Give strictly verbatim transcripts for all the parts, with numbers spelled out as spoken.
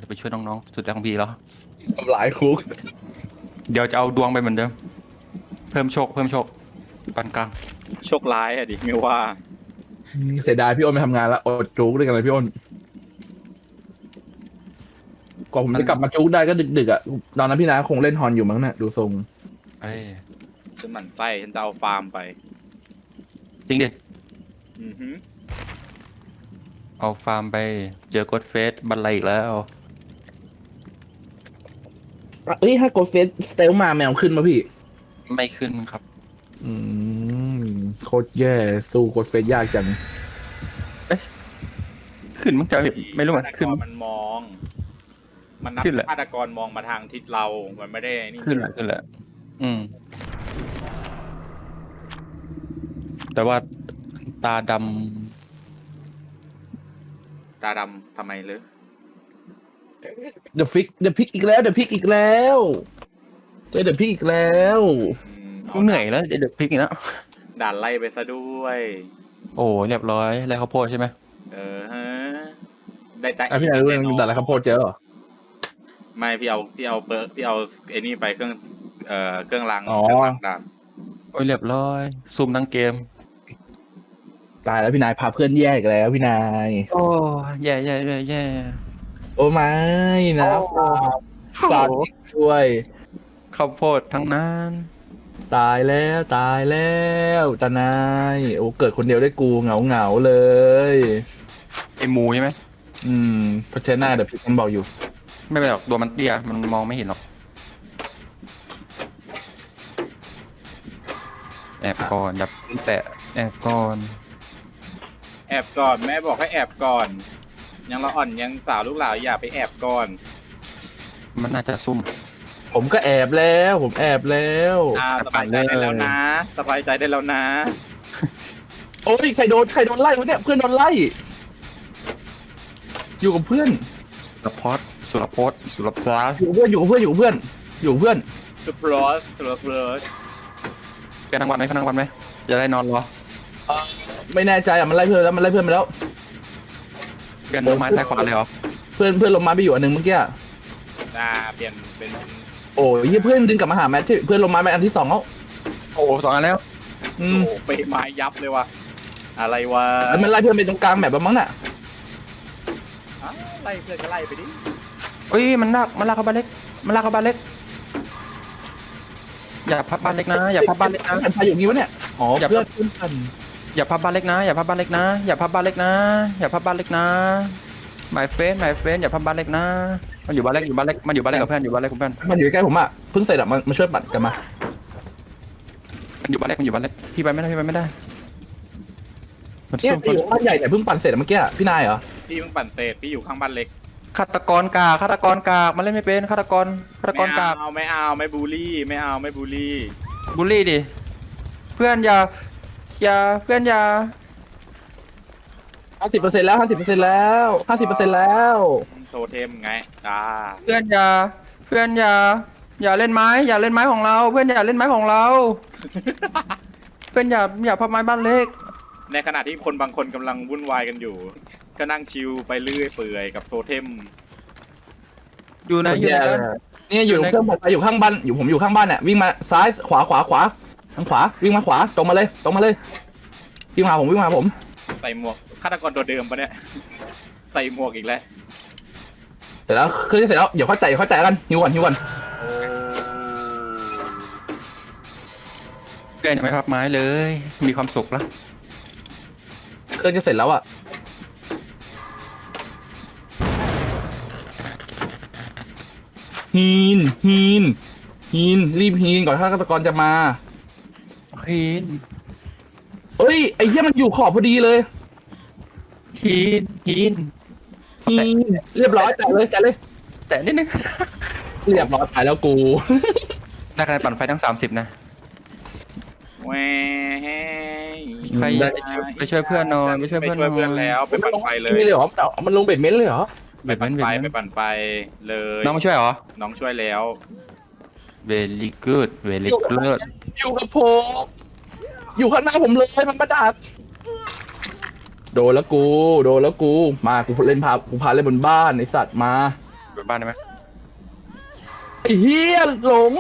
ไปช่วยน้องๆสุดแรงของพี่แล้วทำลายคุกเดี๋ยวจะเอาดวงไปเหมือนเดิม เพิ่มโชคเพิ่มโชคปานกลางโชคร้ายอะดิไม่ว่าเสียดายพี่อ้นไปทำงานแล้วอดจุกด้วยกันเลยพี่อ้นกว่าผมจะกลับมาจุกได้ก็ดึกๆอ่ะตอนนั้นพี่นาคงเล่นฮอนอยู่มั้งน่ะดูทรงเอ้ยฉันหมั่นไส้ฉันจะเอาฟาร์มไปจริงดิอือฮึเอาฟาร์มไปเจอกดเฟสบันไลอีกแล้วเอ้ยถ้าโกเฟสสเตลมาแมวขึ้นมาพี่ไม่ขึ้นครับอืมโคตรแย่สู้โกเฟสยากจังขึ้นมั้งจะไม่รู้ฆามันตกขึ้นรมันมอง มันนับขึ้นแหละฆาตกรมองมาทางทิศเรา มันไม่ได้นี่ขึ้นแหละขึ้นแหละอืม แต่ว่าตาดตาดำทำไมเลยเดอะฟิกเดอะพิกอีกแล้วเดอะพิกอีกแล้วเจอเดอะพิกอีกแล้วอืมำกูเหนื่อยแล้วเดี๋ยวพลิกอีกแล้วด่านไล่ไปซะด้วยโอ้เรียบร้อยไรข้าวโพดใช่ไหมเออฮะ ได้ใจอ่ะพี่นายรู้เรื่องด่าอะไรครับโพดเจอเหรอไม่พี่เอาพี่เอาเบอร์พี่เอาไอ้นี่ไปเครื่องเอ่อเครื่องรางอ๋อเครื่องรางด่านโอ้ยเรียบร้อยซูมทั้งเกมตายแล้วพี่นายพาเพื่อนแยกอีกแล้วพี่นายโอ้แย่แย่แย่แย่โอ้ไม่นะสาดช่วยข้าวโพดทั้งนั้นตายแล้วตายแล้วตานายโอ้เกิดคนเดียวได้กูเหงาเหงาๆเลยไอหมูใช่ไหมอืมเพราะเชน่าเดี๋ยวพี่มันบอกอยู่ไม่เป็นหรอกตัวมันเตี้ยมันมองไม่เห็นหรอกแอบก่อนอย่าแตะแอบก่อนแอบก่อนแม่บอกให้แอบก่อน ยังละอ่อนยังสาวลูกหลานอย่าไปแอบก่อนมันน่าจะซุ่มผมก็แอบแล้ว ผมแอบแล้วอ่าสบายใจได้แล้วนะสบายใจได้แล้วนะโอ้ยใครโดนใครโดนไล่วะเนี่ยเพื่อนโดนไล่ อยู่กับเพื่อนสุรพจน์สุรพจน์สุรพลัสอยู่กับเพื่อนอยู่กับเพื่อนอยู่กับเพื่อนอยู่กับเพื่อนสปรอสสปรอสเปลี่ยนทั้งวันไหมทั้งวันไหมจะได้นอนรอไม่แน่ใจอ่ะมันไล่เพื่อนแล้วมันไล่เพื่อนไปแล้วเปลี่ยนต้นไม้ซ้ายขวาเลยเหรอเพื่อนเพื่อนลงมาไปอยู่อันหนึ่งเมื่อกี้อะอ่าเปลี่ยนเป็นโอ้ยเหี้ยเพื่อนดึงกลับมาหาแมทที่เพื่อนลงมาไปอันที่สองแล้วโอ้สองอันแล้วอืโอ้มโหไปไม้ยับเลยว่ะอะไรวะแล้วมันไล่เพื่อนไปตรงกลางแบบมั้งน่ะอ้าวไล่เพื่อนก็ไล่ไปดิเอ้ยมันลากมันลากเข้าบ้านเล็กมันลากเข้าบ้านเล็ก อย่าพับบ้านเล็กนะ อย่าพับบ้านเล็กนะแผ่นไฟอยู่งี้วะเนี่ยอ๋ออย่าเพื่อนเพื่อนกันอย่าพับบ้านเล็กนะ อย่าพับบ้านเล็กนะ อย่าพับบ้านเล็กนะ อย่าพับบ้านเล็กนะหมายเฟนหมายเฟนอย่าพับบ้านเล็กนะ มันอยู่บ้านเล็กอยู่บ้านเล็กมันอยู่บ้านเล็กกับเพื่อนอยู่บ้านเล็กกับเพื่อนมันอยู่ใกล้ผมอ่ะเพิ่งเสร็จอ่ะมันมาช่วยปัดกันมามันอยู่บ้านเล็กมันอยู่บ้านเล็กพี่ไปไม่ได้พี่ไปไม่ได้ มันเนี่ยสู้ไอ้อยู่บ้านใหญ่เนี่ยเพิ่งปั่นเสร็จอะเมื่อกี้อะพี่นายเหรอพี่เพิ่งปั่นเศษพี่อยู่ข้างบ้านเล็กฆาตกรกากฆาตกรกากมันเล่นไม่เป็นฆาตกรฆาตกไม่รกากเอาไม่เอาไม่บูลลี่ไม่เอาไม่บูลลี่บูลลี่ดิเพื่อนอย่าอย่าเพื่อนอย่าห้าสิบเปอร์เซ็นต์แล้วห้าสิบเปอร์เซ็นต์แล้วห้าสิบเปอร์เซ็นต์แล้วโทเทมไงอ่าเพื่อนอย่าเพื่อนอย่าอย่าเล่นไม้ อย่าเล่นไม้ของเรา เพื่อนอย่าเล่นไม้ของเรา เพื่อนอย่าอย่าพับไม้บ้านเล็กในขณะที่คนบางคนกำลังวุ่นวายกันอยู่ ก็นั่งชิลไปเรื่อยเปื่อยกับโทเทมอยู่ไหนอยู่ไหนกันเนี่ยอยู่อยู่ในเครื่องปั่นไฟอยู่ข้างบ้านอยู่ผมอยู่ข้างบ้านเนี่ยวิ่งมาซ้ายขวาขวาขวาทางขวาวิ่งมาขวาตรงมาเลยตรงมาเลยวิ่งมาหาผมวิ่งมาหาผมใส่หมวกฆาตกรตัวเดิมปะเนี่ย ใส่หมวกอีกแล้วเสร็จแล้วเครื่องจะเสร็จแล้วเดี๋ยวค่อยแตะเดี๋ยวค่อยแตะกันหิวก่อนหิวก่อนโอ้เพื่อนอย่าไม่พับไม้เลย มีความสุขแล้วเครื่องจะเสร็จแล้วอ่ะฮีนฮีนฮีนรีบฮีนก่อนถ้าฆาตกรจะมาฮีนเอ้ยไอ้เหี้ยมันอยู่ขอบพอดีเลยฮีนฮีนฮีนเรียบร้อยแตะเลยแตะเลยแต่นิดนึงเรียบร้อยตายแล้วกูได้คะแนนปั่นไฟทั้งสามสิบนะแหวใครได้ไปช่วยไปช่วยเพื่อนหนอนไปช่วยไปเพื่อนช่วยเพื่อนหแล้วไปปั่นไฟเลยนี่เลยเหรอมันลงเบ็ดเม้นเลยเหรอไปปั่นไฟไปปั่นไฟเลยน้องมาช่วยเหรอน้องช่วยแล้ว very good very good อยู่กับผมอยู่ข้างหน้าผมเลยมันประดับโดนแล้วกูโดนแล้วกูมากูเล่นพากูพาเล่นบนบ้านไอสัตว์มาบนบ้านได้ไหมไอ้เฮียหลง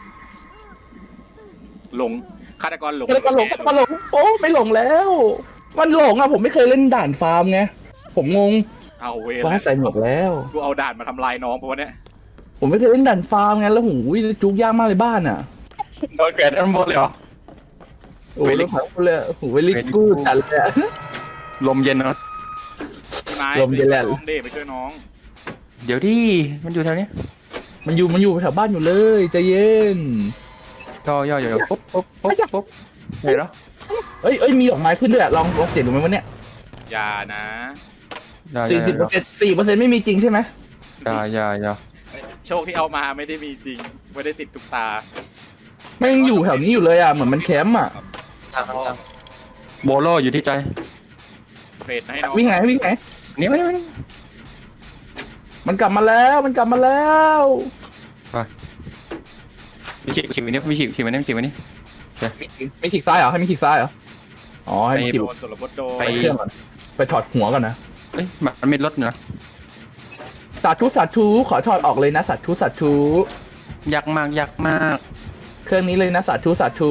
หลงฆาตกรหลงก็เลยก็หลงก็หลงโอ้ไม่หลงแล้ว มันหลงอ่ะผมไม่เคยเล่นด่านฟาร์มไงผมงงเอาเวรฟ้าใส่หมวกแล้วกูเอาด่านมาทำลายน้องเพราะว่าเนี่ยผมไม่เคยเล่นด่านฟาร์มไงแล้วหูยจุกยากมากเลยบ้านอ่ะโดนแขวนทั้งหมดเลยเหรอโอ้ย Very แล้วผมเลยโอ้โหเวลิ Very กู good จัดเลยอะลมเย็นเนาะพี่ไม้ลมเย็นแหละไปช่วยน้องเดไปช่วยน้องเดี๋ยวดิมันอยู่แถวนี้มันอยู่มันอยู่แถวบ้านอยู่เลยใจเย็นย่อย่อย่อปุ๊บปุ๊บปุ๊บปุ๊บเห็นแล้วเอ้ยเอ้ยมีดอกไม้ขึ้นด้วยอะลองลองเสียงดูไหมวะเนี่ยอย่านะอย่าอสี่ย่าสิบเปอร์เซ็นต์สี่เปอร์เซ็นต์ไม่มีจริงใช่ไหมอย่าอย่าอย่าโชคที่เอามาไม่ได้มีจริงไม่ได้ติดตุ๊กตาไม่ยังอยู่แถวนี้อยู่เลยอ่ะเหมือนมันแคมป์อ่ะทางทางทางโบโลอยู่ที่ใจเฟดให้น้องวิ่งไงวิ่งไงนี่ไม่ได้ไม่ได้มันกลับมาแล้วมันกลับมาแล้วไปวิชิขี่วันนี้วิชิขี่วันนี้ขี่วันนี้มีมีขีกซ้ายเหรอให้มีขีกซ้ายเหรออ๋อให้มีขีกโดนสุรพจน์โดนไปเครื่องก่อนไปถอดหัวก่อนนะเอ้ยมันมีรถอยู่นะสาธุสาธุขอถอดออกเลยนะสาธุสาธุยากมากยากมากเครื่องนี้เลยนะสาธุสาธุ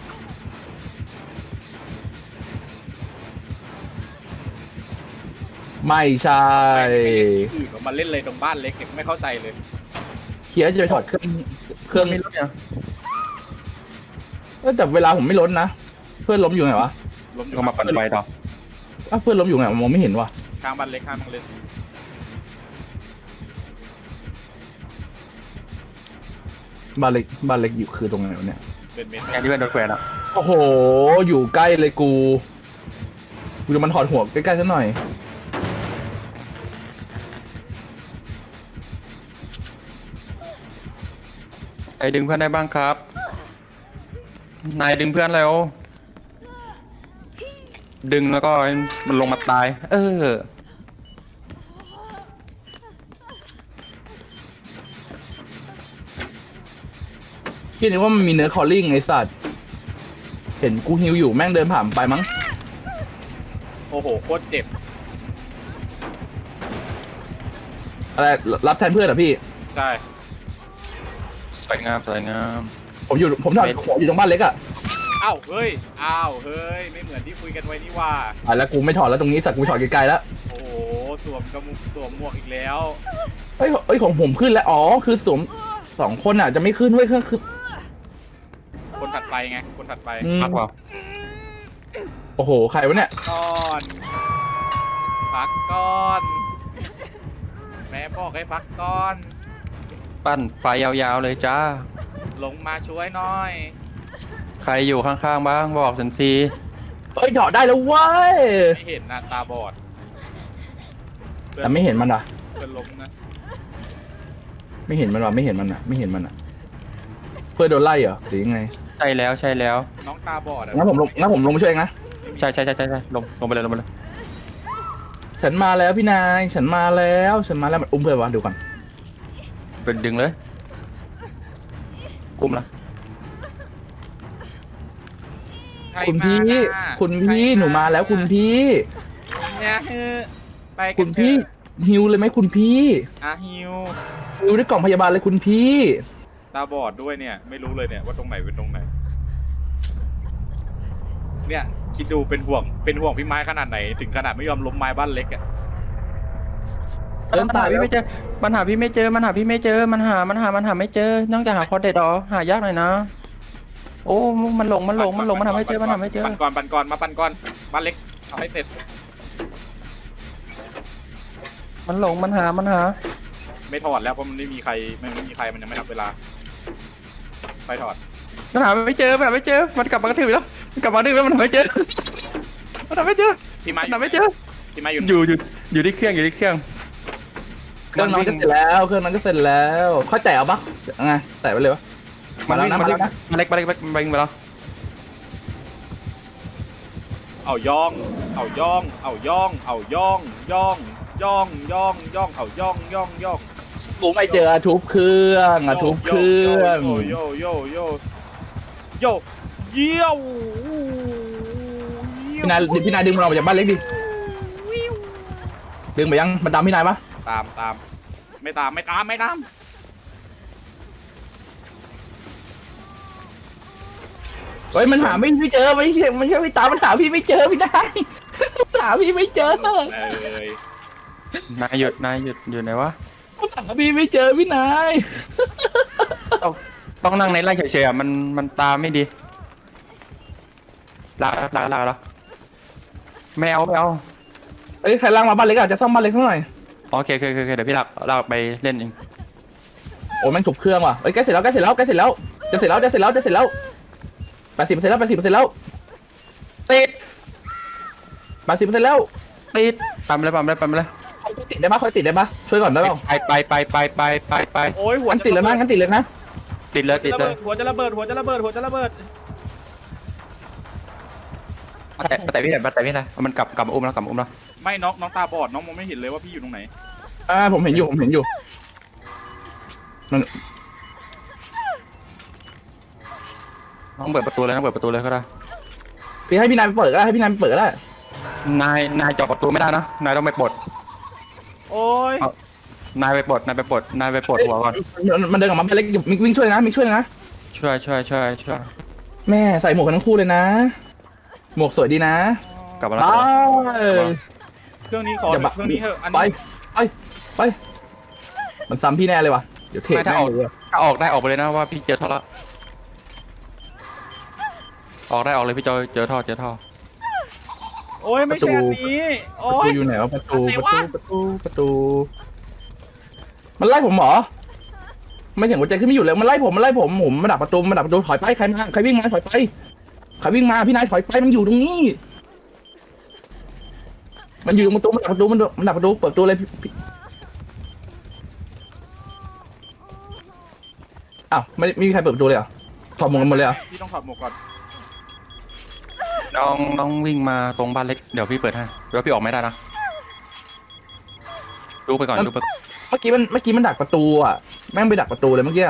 ไม่ใช่อื่นมาเล่นเลยตรงบ้านเล็กเนี่ยไม่เข้าใจเลยเคียร์จะไปถอดเครื่องเครื่องมีรถเนี่ยเออแต่เวลาผมไม่ล้นนะเพื่อนล้มอยู่ไงวะล้มอยู่ก็มาปั่นไฟต่ออ้าวเพื่อนล้มอยู่ไงมองไม่เห็นวะข้างบ้านเล็กข้างบ้านเล็กบ้านเล็กบ้านเล็กอยู่คือตรงไหนวะเนี่ยเป็นเมตรแค่ที่เป็นโดนแขวนอ่ะโอ้โห อยู่ใกล้เลยกูกูจะมันถอดหัวใกล้ๆซะหน่อยไอ้ดึงเพื่อนได้บ้างครับ นายดึงเพื่อนแล้ว ดึงแล้วก็มันลงมาตาย เออพี่นึกว่ามันมีเนื้อคอลลิ่งไอ้สัตว์ เห็นกูฮิวอยู่แม่งเดินผ่านไปมั้งโอ้โหโคตรเจ็บอะไรรับแทนเพื่อนเหรอพี่ใช่สวยงามสวยงามผมอยู่ผมถอดหัวอยู่ตรงบ้านเล็กอะอ้าวเฮ้ยอ้าวเฮ้ยไม่เหมือนที่คุยกันไว้นี่ว่าอ่ะแล้วกูไม่ถอดแล้วตรงนี้สัตว์กูถอดไกลๆแล้วโอ้โหสวมกระมุกสวมหมวกอีกแล้วเอ้ยเอ้ยของผมขึ้นแล้วอ๋อคือสวมสองคนอะจะไม่ขึ้นเว้ยคือคือคนถัดไปไงคนถัดไปอืมมากกว่าโอ้โหใครวะเนี่ยก่อนพักก่อนแม่บอกให้พักก่อนปั้นไฟยาวๆเลยจ้าลงมาช่วยหน่อยใครอยู่ข้างๆบ้างบอกสันทีเอ้ยถอดได้แล้วเว้ยไม่เห็นนะตาบอดแต่ไม่เห็นมันอะเพื่อนล้มนะไม่เห็นมันวะไม่เห็นมันอะไม่เห็นมันอะเพื่อนโดนไล่เหรอหรือยังไงใช่แล้วใช่แล้วน้องตาบอดอะงั้นผมลงงั้นผมลงมาช่วยเองนะใช่ใช่ใช่ใช่ใช่ลงลงไปเลยลงไปเลยฉันมาแล้วพี่นาย ฉันมาแล้ว ฉันมาแล้วมันอุ้มเพื่อนวะดูก่อนเป็นดึงเลยกุมละใครคุณพี่มาน่ะคุณพี่ใรหนูมาแล้วคุณพี่เนี่ยเออไปกัคุนณเถพี่อะฮิวเลยไหมคุณพี่อ่ะฮิวฮิวได้กล่องพยาบาลเลยคุณพี่ตาบอดด้วยเนี่ย ไม่รู้เลยเนี่ยว่าตรงไหนเป็นตรงไหน เนี่ยคิดดูเป็นห่วงเป็นห่วงพี่ไม้ขนาดไหน ถึงขนาดไม่ยอมล้มไม้บ้านเล็กอะเดินมันตาหาย พี่ไม่เจอมันหาพี่ไม่เจอมันหาพี่ไม่เจอมันหามันหามันหาไม่เจอนอกจากหาคอเด็ดอ๋อหายากหน่อยนะ โอ้มันหลงมันหลงมันหลงมันหาไม่เจอมันหาไม่เจอปันก่อนปันก่อนมาปันก่อนบ้านเล็กเอาให้เสร็จมันหลงมันหามันหาไม่ถอดแล้วเพราะมันไม่มีใครมันไม่มีใครมันยังไม่นับเวลาไปถอดมันหาไม่เจอมันหาไม่เจอมันกลับมากระถือแล้วมันกลับมาดื้อแล้วมันหาไม่เจอมันหาไม่เจอพี่ไม้มันหาไม่เจอพี่ไม้อยู่อยู่อยู่อยู่ที่เครื่องอยู่ที่เครื่องเครื่องนั้นก็เสร็จแล้วเครื่องนั้นก็เสร็จแล้วค่อยแตะเอาปะไงแตะไปเลยวะมัมาน แล้ววิ่งนะมามาเล็แล้กวนะมาเล็กมาเล็กมาเล็กมาแล้วเอาย่องเอาย่องเอาย่องเอาย่องย่องย่องย่องย่องเอาย่องย่องย่องกูไม่เจอทุบเครื่องอะทุบเครื่องโยโยโยโยโยเยี่ยวพี่นายพี่นายดึงมันออกมาจากบ้านเล็กดิดึงไปยังมันตามพี่นายปะตามตามไม่ตามไม่ตามไม่ตามเฮ้ยมันหาไม่ไม่เจอไม่ใช่ไม่ใช่ไม่ตามมันหาพี่ไม่เจอพี่ได้หาพี่ไม่เจอเลยนายหยุดนายหยุดอยู่ไหนวะมันหาพี่ไม่เจอพี่นายต้องต้องนั่งในไร่เฉยๆอ่ะมันมันตาไม่ดีลากลากลากแล้วไม่เอาไม่เอาเอ้ยใครล่างมาบ้านเล็กอะจะซ่อมบ้านเล็กสักหน่อยโอเคโอเคโอเคเดี๋ยวพี่ลากลากไปเล่นเองโอ้ยแม่งถูกเครื่องว่ะเอ้ยใกล้เสร็จแล้วใกล้เสร็จแล้วใกล้เสร็จแล้วจะเสร็จแล้วจะเสร็จแล้วจะเสร็จแล้วแปดสิบเปอร์เซ็นต์แล้วแปดสิบเปอร์เซ็นต์แล้วติดแปดสิบเปอร์เซ็นต์แล้วติดปั๊มเลยปั๊มเลยปั๊มเลยคอยติดได้ปะคอยติดได้ปะช่วยก่อนได้เปล่าไปไปไปไปไปไปไปโอ้ยหัวงั้นติดเลยนะงั้นติดเลยนะติดเลยติดเลยหัวจะระเบิดหัวจะระเบิดหัวจะระเบิดแต่แต่พี่เห็นแต่พี่นะมันกลับกลับมาอุ้มแล้วกลับมาอุ้มแล้วไม่น้องน้องตาบอดน้องมองไม่เห็นเลยว่าพี่อยู่ตรงไหนอ่าผมเห็นอยู่ผมเห็นอยู่มันน้องเปิดประตูเลยน้องเปิดประตูเลยก็ได้พี่ให้พี่นายไปเปิดก็ได้ให้พี่นายไปเปิดก็ได้นายนายเจาะประตูไม่ได้นะนายต้องไปปลดโอ้ยนายไปปลดนายไปปลดนายไปปลดหัวก่อนมันมันเดินกลับมาเป็นเล็กมิกวิ่งช่วยนะมิกช่วยนะช่วยช่วยช่วยช่วยแม่ใส่หมวกกันทั้งคู่เลยนะ หมวกสวยดีนะกลับมาแล้วไปเครื่องนี้ขออย่าบักเครื่องนี้เถอะอันไปนี้ไปไปมันซ้ำพี่แน่เลยว่ะเดี๋ยวเทไม่ถ้าแม่อง อกเลยว่ะถ้าออกได้ออกไปเลยนะว่าพี่เจอท่อแล้วออกได้ออกเลยพี่เจอเจอท่อเจอท่อโอ้ยไม่ใช่อันนี้โอ้ประตูยอยู่ไหนวะประตูอันไหนประวะตูประตูประตู มันไล่ผมเหรอไม่เสียงหัวใจขึ้นไม่อยู่เลยมันไล่ผมมันไล่ผมผมมาดักประตูมาดักประตูถอยไปใครมาใครวิ่งมาถอยไปใครวิ่งมาพี่นายถอยไปมันอยู่ตรงนี้ มันอยู่ตรงประตูมันดักประตูมันมันดักประตูเปิดประตูเลยพี่พี่อ้าวไม่ไม่มีใครเปิดประตูเลยเหรอถอดหมวกกันหมดเลยเหรอพี่ต้องถอดหมวกก่อนน้องน้องวิ่งมาตรงบ้านเล็กเดี๋ยวพี่เปิดให้เดี๋ยวพี่ออกไม่ได้นะดูไปก่อนดูไปเมื่อกี้มันเมื่อกี้มันดักประตูอ่ะแม่งไปดักประตูเลยเมื่อกี้อะ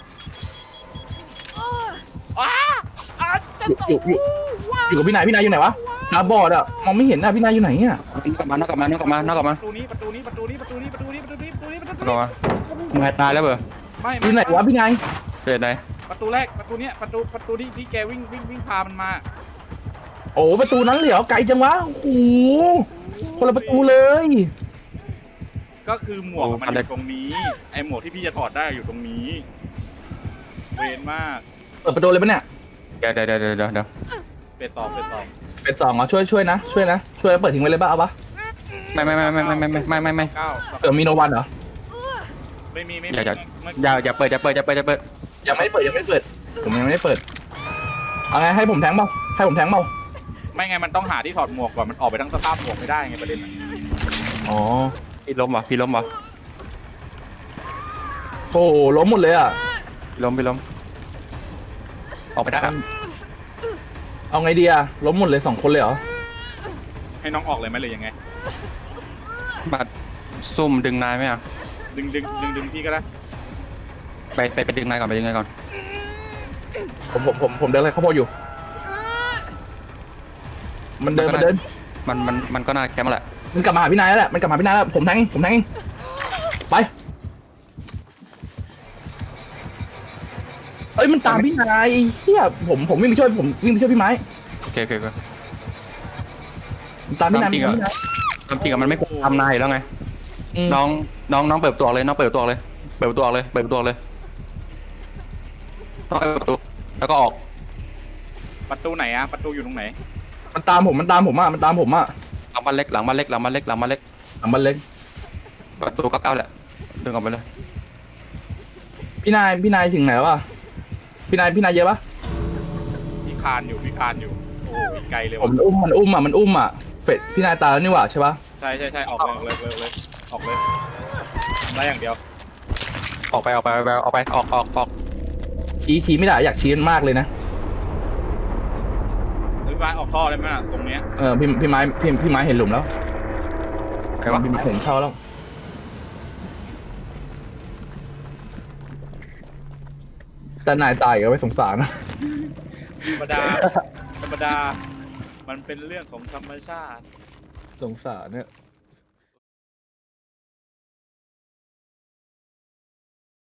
อ้าอ้าจะอยู่ตอยู่กอยู่อยู่กับพี่นายพี่นายอยู่ไหนวะตาบอดอ่ะมองไม่เห็นอ่ะพี่นายอยู่ไหนอ่ะกลับมานอกกลับมานอกกลับมานอกกลับมาประตูนี้ประตูนี้ประตูนี้ประตูนี้ประตูนี้ประตูนี้ประตูนี้ประตูกลับนี้มานายตายแล้วเบอร์ไม่อยู่ไหนวะพี่นายเสร็จไหนประตูแรกประตูเนี้ยประตูประตูที่ที่แกวิ่งวิ่งวิ่งพามันมาโอ้ประตูนั้นเลยเหรอไกลจังวะโอ้โหคนละประตูเลยก็คือหมวกมันอยู่ตรงนี้ไอหมวกที่พี่จะถอดได้อยู่ตรงนี้เวนมากเปิดประตูเลยปะเนี่ยเดี๋ยวเดี๋ยวเดี๋ยวเดี๋ยวเดี๋ยวเป็ดสองเป็ดสองเป็นสองเหรอช่วยช่วยนะช่วยนะช่วยแล้วเปิดทิ้งไว้เลยป่ะเอาปะไม่ไม่ไม่ไม่ไม่ไม่ไม่ไม่ไม่ไม่เก้าเผื่อมีโนวันเหรอไม่มีไม่อมีย่าอย่าไม่อย่าอย่าเปิดอย่าเปิดอย่าเปิดอย่าเปิดยังไม่ได้เปิดยังไม่ได้เปิดผมยังไม่ได้เปิดเอาไงให้ผมแทงเปล่าให้ผมแทงเปล่าไม่ไงมันต้องหาที่ถอดหมวกก่อนมันออกไปทั้งสภาพหมวกไม่ได้ไงประเด็นอะอ๋อพี่ล้มวะพี่ล้มวะโอ้โหล้มหมดเลยอ่ะพี่ล้มพี่ล้มออกไปได้อะเอาไงดีอ่ะล้มหมดเลยสองคนเลยเหรอให้น้องออกเลยไหมหรือยังไงมาซุ่มดึงนายไหมอ่ะดึงดึงดึงดึงพี่ก็ได้ไปไปไปดึงนายก่อนไปดึงนายก่อนผมผมผมผมเดินอะไรข้าวโพดอยู่ มันเดินมันเดินมันมันมันก็น่าแคมป์แหละมันกลับมาหาพี่นายแล้วแหละมันกลับมาหาพี่นายแล้วผมแทงเองผมแทงเองไปเอ้ยมันตามพี่นายไอ้เฮียผมผมวิ่งไปช่วยผมวิ่งไปช่วยพี่ไม้โอเคโอเคโอเคมันตามพี่นายตามจริงเหรอมันตามพี่นายทำจริงอะมันไม่ควรทำนายอยู่แล้วไงอืมน้องน้องน้องเปิดประตัวเลยน้องเปิดประตัวเลย เปิดประตัวเลยเปิดประตัวเลยต้องเปิดประตูแล้วก็ออกประตูไหนอะประตูอยู่ตรงไหนมันตามผมมันตามผมอ่ะมันตามผมอ่ะหลังบ้านเล็กหลังบ้านเล็กหลังบ้านเล็กหลังบ้านเล็กหลังบ้านเล็กประตูเก้าเก้าแหละดึงออกไปเลยพี่นายพี่นายถึงไหนแล้ววะพี่นายพี่นายเยอะปะพี่คานอยู่พี่คานอยู่โอ้โหอีกไกลเลยผมว่ะอุ้มมันอุ้มอ่ะมันอุ้มอ่ะเฟดพี่นายตายแล้วนี่หว่าใช่ปะใช่ใช่ใช่ออกเลยออกเลยออกเลยออกเลยได้อย่างเดียวออกไปออกไปออกไปออกไปออกออกออกชี้ชี้ไม่ได้อยากชี้มันมากเลยนะหรือว่าออกท่อได้ไหมอะตรงเนี้ยเออพี่พี่ไม้พี่พี่ไม้เห็นหลุมแล้วใครวะพี่ไม้เห็นเข้าแล้วแต่นายตายก็ไม่สงสารนะธรรมดาธรรมดา มันเป็นเรื่องของธรรมชาติสงสารเนี่ย